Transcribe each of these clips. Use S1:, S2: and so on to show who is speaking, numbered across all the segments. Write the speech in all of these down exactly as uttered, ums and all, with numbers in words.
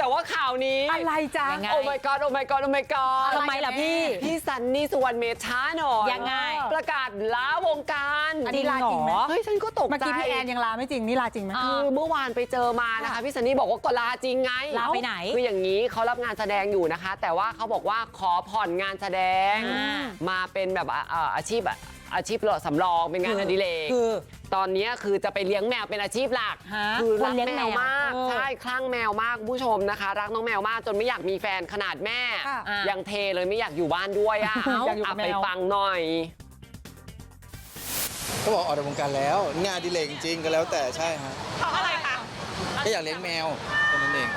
S1: ว่าข่าวนี้
S2: อะไรจ๊ะ
S1: โอ้ my god โอ้ my god โอ้ my god
S2: ทำไมล่ะพี่
S1: พี่ซันนี่สุวรรณเมธช้าหน่อย
S2: ยังไง
S1: ประกาศลาวงการ
S2: จริงเหรอ
S1: เฮ้ยฉันก็ตกใจ
S3: เมื่อกี้พี่แอนยังลาไม่จริงนี่ลาจริงไหม
S1: คือเมื่อวานไปเจอมานะคะพี่ซันนี่บอกว่าก็ลาจริงไง
S2: ลาไปไหน
S1: คืออย่างนี้เขารับงานแสดงอยู่นะคะ แต่ว่าเขาบอกว่าขอผ่อนงานแสดงมาเป็นแบบอาชีพอาชีพสำรองเป็นงานอดิเรก
S2: คือ
S1: ตอนนี้คือจะไปเลี้ยงแมวเป็นอาชีพหลักคือรักแมวมากใช่คลั่งแมวมากผู้ชมนะคะรักน้องแมวมากจนไม่อยากมีแฟนขนาดแม่ยังเทเลยไม่อยากอยู่บ้านด้วยอ่ะเอาไปฟังหน่อย
S4: ก็บอกออกจากวงการแล้วงานอดิเรกจริงๆก็แล้วแต่ใช่ฮะ
S5: เพราะอะไรคะ
S4: ก็อยากเลี้ยงแมวแค่นั้นเอง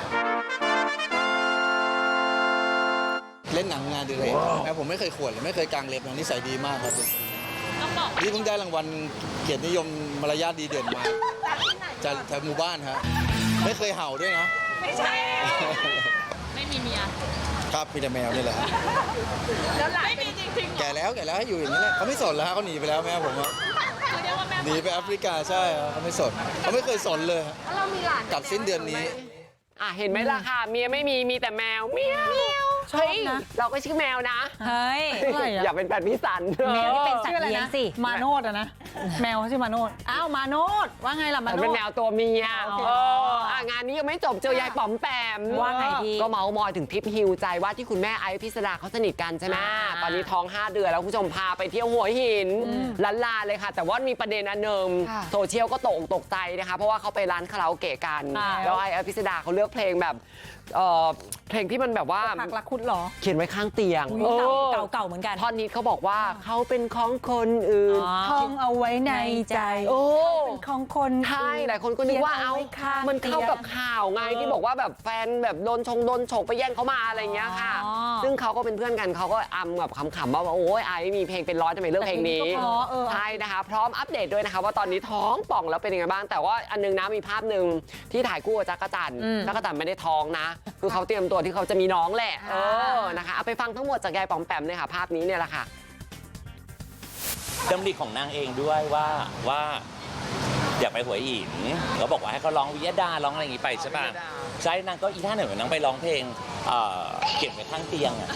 S4: เล่นหนังงานอดิเรกแมวผมไม่เคยข่วนเลยไม่เคยกางเล็บนะนิสัยดีมากครับนี่เพิ่งได้รางวัลเกียรตินิยมมารยาทดีเด่นมาจากแถวหมู่บ้านฮะไม่เคยเห่าด้วยนะ
S5: ไม่ใช่ไม่มีเมีย
S4: ครับมีแต่แมวนี่แหละ
S5: แล้วหลานไม่มีจริงๆ
S4: แก่แล้วแก่แล้วให้อยู่อย่างนี้แหละเขาไม่สนแล้วเขาหนีไปแล้วแม่ผมหนีไปแอฟริกาใช่เขาไม่สนเขาไม่เคยสนเลย
S5: เรามีหลาน
S4: กลับสิ้นเดือนนี้
S1: อ่ะเห็นไหมล่ะค่ะเมียไม่มีมีแต่แมวเมียว
S3: ชอบนะ
S1: เราก็ชื่อแมวนะ
S2: เฮ้ย
S1: อย่าเป็นแฟนพี่สัน
S2: แมวที่เป็นสัตว์เลี้ยงสิ
S3: มาโนดอะนะแมวเขาชื่อมาโนดอ้าวมาโนดว่าไงล่ะมาโนด
S1: เป็นแมวตัวเมียเอออ่ะงานนี้ยังไม่จบเจอยายป๋อมแปม
S2: ว่าไงดี
S1: ก็เมาส์มอยถึงทริปฮิวใจว่าที่คุณแม่ไอซ์พิสดาเขาสนิทกันใช่ไหมตอนนี้ท้องห้าเดือนแล้วคุณผู้ชมพาไปเที่ยวหัวหินลันลาเลยค่ะแต่ว่ามีประเด็นอันหนึ่งโซเชียลก็ตกตกใจนะคะเพราะว่าเขาไปร้านคาราโอเกะกันแล้วไอซ์พิสดาเขาเลือกเพลงแบบเพลงที่มันแบบว่า
S3: หักรักคุดหรอ
S1: เขียนไว้ข้างเตียง
S2: เก่าเก่าเหมือนกัน
S1: ท่อนนี้เขาบอกว่าเขาเป็นของคนอื่น
S3: ท่องเอาไว้ในใจ
S1: โอ้
S3: เป็นของคน
S1: ใช่หลายคนก็นึกว่าเอามันเข้ากับข่าวไงที่บอกว่าแบบแฟนแบบโดนชงโดนฉกไปแย่งเขามาอะไรเงี้ยค่ะซึ่งเขาก็เป็นเพื่อนกันเขาก็อำแบบขำๆว่าโอ้ยไอ้มีเพลงเป็นร้อยทำไมเลือกเพลงนี้ใช่นะคะพร้อมอัปเดตด้วยนะคะว่าตอนนี้ท้องป่องแล้วเป็นยังไงบ้างแต่ว่าอันนึงนะมีภาพหนึ่งที่ถ่ายคู่กับจักรจันทร์จักรจันทร์ไม่ได้ท้องนะคือเขาเตรียมตัวที่เขาจะมีน้องแหละเออนะคะเอาไปฟังทั้งหมดจากยายป๋อมแปมเลยค่ะภาพนี้เนี่ยแหละค่ะ
S6: ดำริของนางเองด้วยว่าว่าอยากไปหัวหินเขาบอกว่าให้เขาร้องวิยดาร้องอะไรอย่างงี้ไปใช่ป่ะใช่นางก็อีท่าหนึ่งนางไปร้องเพลงเก็บไว้ข้างเตียงอ่ะ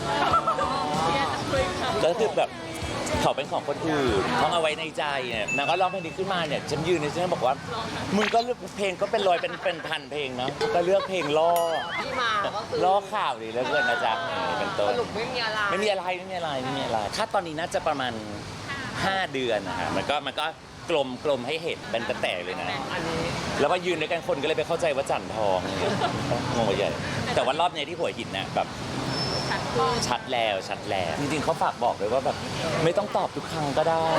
S6: ก็คือแบบเขาเป็นของคนอื่นเขาเอาไว้ในใจเนี่ยนางก็ร้องเพลงนี้ขึ้นมาเนี่ยฉันยืนในฉันบอกว่ามึงก็เลือกเพลงก็เป็นร้อยเป็นเป็นพันเพลงเนาะก็เลือกเพลงล่อล่อข่าวดีเหลือเกินนะจ๊ะเป็นต้น
S1: สรุปไม่มีอะไร
S6: ไม่มีอะไรไม่มีอะไรไม่มีอะไรถ้าตอนนี้น่าจะประมาณห้าเดือนนะคะมันก็มันก็กลมกลมให้เห็นเป็นแตกเลยนะแล้วว่ายืนด้วยกันคนก็เลยไปเข้าใจว่าจันทองงงใหญ่แต่ว่ารอบนี้ที่หัวหินเนี่ยแบบชัดแล้วชัดแล้วจริงๆเขาฝากบอกเลยว่าแบบไม่ต้องตอบทุกครั้งก็ได้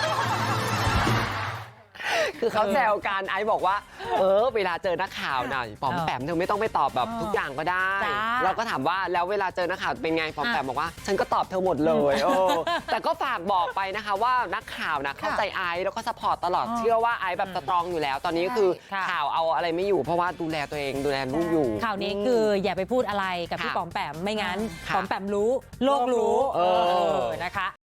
S1: คือเขาแซวกันไอซ์บอกว่าเออเวลาเจอนักข่าวหน่อยป๋อมแปมเธอไม่ต้องไปตอบแบบทุกอย่างก็ได้เราก็ถามว่าแล้วเวลาเจอนักข่าวเป็นไงป๋อมแปมบอกว่าฉันก็ตอบเธอหมดเลยเออแต่ก็ฝากบอกไปนะคะว่านักข่าวนะเข้าใจไอซ์แล้วก็ซัพพอร์ตตลอดเชื่อว่าไอซ์แบบสตรองอยู่แล้วตอนนี้คือข่าวเอาอะไรไม่อยู่เพราะว่าดูแลตัวเองดูแลลูกอยู่
S2: ข่าวนี้คืออย่าไปพูดอะไรกับพี่ป๋อมแปมไม่งั้นป๋อมแปมรู้โลกรู้เออนะคะ